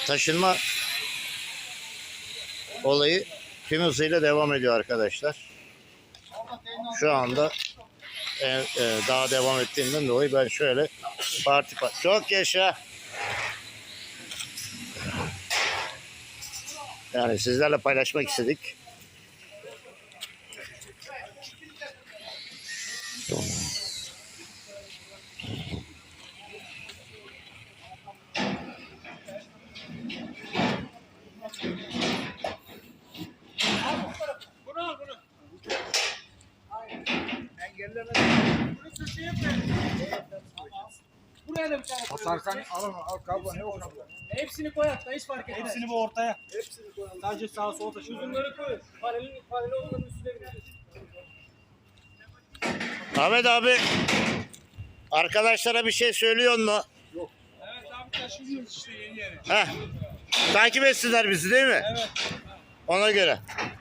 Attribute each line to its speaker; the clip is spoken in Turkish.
Speaker 1: taşınma olayı tüm hızıyla devam ediyor arkadaşlar. Şu anda daha devam ettiğinden dolayı ben şöyle parti çok yaşa. Yani sizlerle paylaşmak istedik.
Speaker 2: Buraya da bir tane koy.
Speaker 3: Atarsan al kablo ne o kablo?
Speaker 2: Hepsini koy hatta hiç fark etmez.
Speaker 3: Hepsini bu ortaya.
Speaker 2: Hepsini koy. Sadece sağa sola taşı. Uzunları koy. Paralel olanın üstüne bineceğiz.
Speaker 1: Ahmet abi, arkadaşlara bir şey söylüyor mu?
Speaker 2: Evet abi taşıyoruz işte yeni yere.
Speaker 1: Heh. Takip etsinler bizi değil mi?
Speaker 2: Evet.
Speaker 1: Ona göre.